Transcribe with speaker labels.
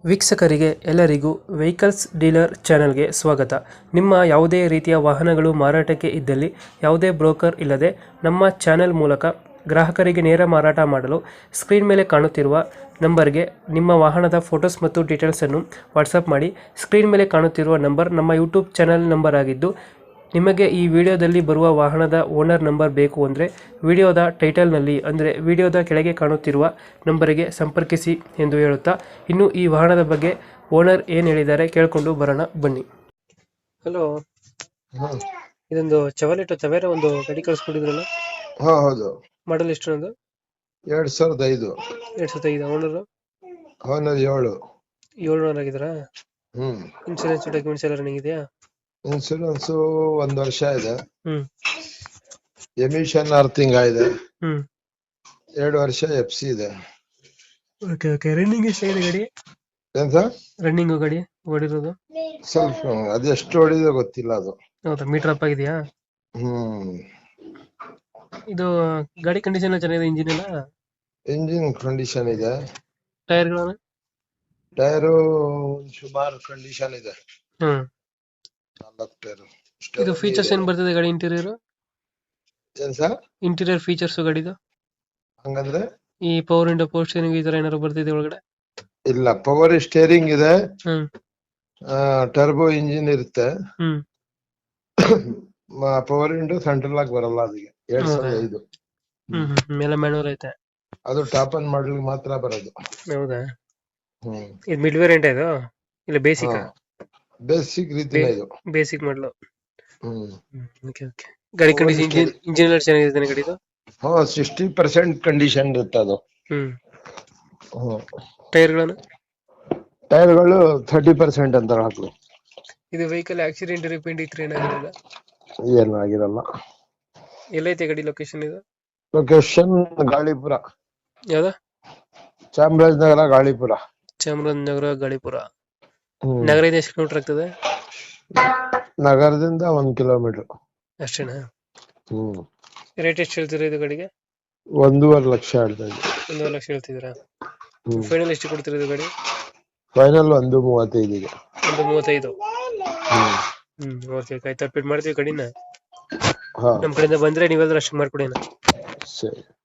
Speaker 1: ವೀಕ್ಷಕರಿಗೆ ಎಲ್ಲರಿಗೂ vehicles dealer ಚಾನೆಲ್ಗೆ ಸ್ವಾಗತ. ನಿಮ್ಮ ಯಾವುದೇ ರೀತಿಯ ವಾಹನಗಳು ಮಾರಾಟಕ್ಕೆ ಇದ್ದಲ್ಲಿ ಯಾವುದೇ ಬ್ರೋಕರ್ ಇಲ್ಲದೆ ನಮ್ಮ ಚಾನೆಲ್ ಮೂಲಕ ಗ್ರಾಹಕರಿಗೆ ನೇರ ಮಾರಾಟ ಮಾಡಲು ಸ್ಕ್ರೀನ್ ಮೇಲೆ ಕಾಣುತ್ತಿರುವ ನಂಬರ್ಗೆ ನಿಮ್ಮ ವಾಹನದ ಫೋಟೋಸ್ ಮತ್ತು ಡೀಟೇಲ್ಸನ್ನು ವಾಟ್ಸಪ್ ಮಾಡಿ. ಸ್ಕ್ರೀನ್ ಮೇಲೆ ಕಾಣುತ್ತಿರುವ ನಂಬರ್ ನಮ್ಮ ಯೂಟ್ಯೂಬ್ ಚಾನೆಲ್ ನಂಬರ್ ಆಗಿದ್ದು, ನಿಮಗೆ ಈ ವಿಡಿಯೋದಲ್ಲಿ ಬರುವ ವಾಹನದ ಓನರ್ ನಂಬರ್ ಬೇಕು ಅಂದರೆ ವಿಡಿಯೋದ ಟೈಟಲ್ನಲ್ಲಿ ಅಂದರೆ ವಿಡಿಯೋದ ಕೆಳಗೆ ಕಾಣುತ್ತಿರುವ ನಂಬರಿಗೆ ಸಂಪರ್ಕಿಸಿ ಎಂದು ಹೇಳುತ್ತಾ, ಇನ್ನು ಈ ವಾಹನದ ಬಗ್ಗೆ ಓನರ್ ಏನು ಹೇಳಿದ್ದಾರೆ ಕೇಳಿಕೊಂಡು ಬರೋಣ ಬನ್ನಿ. ಹಲೋ,
Speaker 2: ಹಾ
Speaker 1: ಇದೊಂದು ಚವಲೆಟ್ ತವೇರ ಒಂದು ಗಾಡಿ ಕಳಿಸ್ಕೊಟ್ಟಿದ್ರಲ್ಲ,
Speaker 2: ಹೌದು.
Speaker 1: ಮಾಡಲ್ ಎಷ್ಟು? ಒಂದು
Speaker 2: 2005.
Speaker 1: 2005. Owner
Speaker 2: owner 7.
Speaker 1: 7 ಆಗಿದ್ರಾ?
Speaker 2: ಹ್ಮ್
Speaker 1: ಇನ್ಶೂರೆನ್ಸ್ ಡಾಕ್ಯುಮೆಂಟ್ಸ್ ಎಲ್ಲ ರನ್ನಿಂಗ್ ಇದೆಯಾ?
Speaker 2: ಇನ್ಸೂರೆನ್ಸ್ 1 ವರ್ಷ ಇದೆ.
Speaker 1: ಹ್ಮ್
Speaker 2: ಎಮಿಷನ್ ಅರ್ಥಿಂಗ್ ಇದೆ.
Speaker 1: ಹ್ಮ್
Speaker 2: 2 ವರ್ಷ FC ಇದೆ.
Speaker 1: Okay okay. ರನ್ನಿಂಗ್ ಎಷ್ಟಾಗಿದೆ ಗಾಡಿ?
Speaker 2: ಏನ್ ಸರ್?
Speaker 1: ರನ್ನಿಂಗ್ ಗಾಡಿ ಓಡಿರೋದು
Speaker 2: ಸ್ವಲ್ಪ ಅದೆಷ್ಟು ಹೊಡಿದೆ ಗೊತ್ತಿಲ್ಲ ಅದು.
Speaker 1: ಹೌದಾ? ಮೀಟರ್ ಅಪ್ ಆಗಿದೆಯಾ?
Speaker 2: ಹ್ಮ್
Speaker 1: ಇದು ಗಾಡಿ ಕಂಡೀಷನ್ ಎಲ್ಲ ಚೆನ್ನಾಗಿದೆ, ಇಂಜಿನ್ ಎಲ್ಲ?
Speaker 2: ಇಂಜಿನ್ ಕಂಡೀಷನ್ ಇದೆ.
Speaker 1: ಟೈರ್ಗಳು?
Speaker 2: ಟೈರು ಸುಮಾರು ಕಂಡೀಷನ್ ಇದೆ.
Speaker 1: ಹ್ಮ್
Speaker 2: 4 ಟೈರ್.
Speaker 1: ಇದು ಫೀಚರ್ಸ್ ಏನ್ ಬರ್ತದೆ ಗಾಡಿ ಇಂಟೀರಿಯರ್?
Speaker 2: ಏನ್ ಸರ್?
Speaker 1: ಇಂಟೀರಿಯರ್ ಫೀಚರ್ಸ್ ಗಾಡಿದು
Speaker 2: ಹಂಗಂದ್ರೆ
Speaker 1: ಈ ಪವರ್ ವಿಂಡೋ, ಪವರ್ ಸ್ಟೀರಿಂಗ್ ಈ ತರ ಏನಾದ್ರು ಬರ್ತಿದೆ ಒಳಗಡೆ?
Speaker 2: ಇಲ್ಲ, ಪವರ್ ಸ್ಟೇರಿಂಗ್ ಇದೆ.
Speaker 1: ಹ್ಮ್
Speaker 2: ಟರ್ಬೋ ಇಂಜಿನ್ ಇರುತ್ತೆ.
Speaker 1: ಹ್ಮ್
Speaker 2: ಪವರ್ ವಿಂಡೋ ಸೆಂಟ್ರಲ್ ಆಗಿ ಬರಲ್ಲ ಅದಕ್ಕೆ. 2005.
Speaker 1: ಹ್ಮ್ ಹ್ಮ್ ಮೇಲೆ ಮ್ಯಾನುವಲ್ ಐತೆ?
Speaker 2: ಅದು ಟಾಪ್ ಅಂಡ್ ಮಾಡಲ್ ಮಾತ್ರ ಬರೋದು.
Speaker 1: ಹೌದಾ?
Speaker 2: ಹ್ಮ್
Speaker 1: ಇದು ಮಿಡ್ ವೇರಿಯಂಟ್ ಇದು ಇಲ್ಲ ಬೇಸಿಕ್?
Speaker 2: ಬೇಸಿಕ್ ರೀತಿನೇ ಇದು.
Speaker 1: ಬೇಸಿಕ್ ಮಾಡಲು.
Speaker 2: Hmm
Speaker 1: okay okay. ಗಾಡಿ ಕಂಡೀಷನ್, ಇಂಜಿನ್ ಎಲ್ಲ ಚೆನ್ನಾಗಿದೆ ಗಾಡಿದು?
Speaker 2: 60% ಕಂಡೀಷನ್ ಇರುತ್ತೆ ಅದು.
Speaker 1: ಹ್ಮ್
Speaker 2: ಹ್ಮ್
Speaker 1: ಟೈರ್ಗಳನ್ನು?
Speaker 2: ಟೈರ್ಗಳು 30% ಅಂತ ಹಾಕ್ಲು.
Speaker 1: ಇದು ವೆಹಿಕಲ್ ಆಕ್ಸಿಡೆಂಟ್ ರಿಪೇಂಟ್ ಇತ್ತು ಏನಾಗಿರಲ್ಲ?
Speaker 2: ಏನು ಆಗಿರಲ್ಲ.
Speaker 1: ಎಲ್ಲೈತೆ ಗಾಡಿ ಲೊಕೇಶನ್ ಇದು?
Speaker 2: ಲೊಕೇಶನ್ ಗಾಳಿಪುರ,
Speaker 1: ಯಾವ್ದ?
Speaker 2: ಚಾಮರಾಜನಗರ ಗಾಳಿಪುರ.
Speaker 1: ಚಾಮರಾಜನಗರ ಗಾಳಿಪುರ.
Speaker 2: ಹ್ಮ್
Speaker 1: ನಗರದಿಂದ ಎಷ್ಟು ಕಿಲೋಮೀಟರ್ ಆಗ್ತದೆ?
Speaker 2: ನಗರದಿಂದ 1 ಕಿಲೋಮೀಟರ್
Speaker 1: ಅಷ್ಟೇನಾ?
Speaker 2: ಹ್ಮ್
Speaker 1: ರೇಟ್ ಎಷ್ಟು ಹೇಳ್ತೀರಾ ಇದು ಗಾಡಿಗೆ?
Speaker 2: 1.5 ಲಕ್ಷ ಹೇಳ್ತಾ ಇದ್ದೆ.
Speaker 1: 1.5 ಲಕ್ಷ ಹೇಳ್ತಿದ್ದೀರಾ?
Speaker 2: ಹ್ಮ್
Speaker 1: ಫೈನಲ್ ಎಷ್ಟು ಕೊಡ್ತೀರಾ ಇದು ಗಾಡಿ?
Speaker 2: ಫೈನಲ್ 1.35.
Speaker 1: 1.35.
Speaker 2: Hmm
Speaker 1: okay okay. ಆಯ್ತು, ಅಪ್ಡೇಟ್ ಮಾಡ್ತೀವಿ ಗಾಡಿನ.
Speaker 2: ಹಾ
Speaker 1: ನಮ್ಮ ಕಡೆಯಿಂದ ಬಂದ್ರೆ ನೀವೆಲ್ಲರೂ ಅಷ್ಟು ಮಾಡ್ಕೊಡಿ.
Speaker 2: ಸರಿ.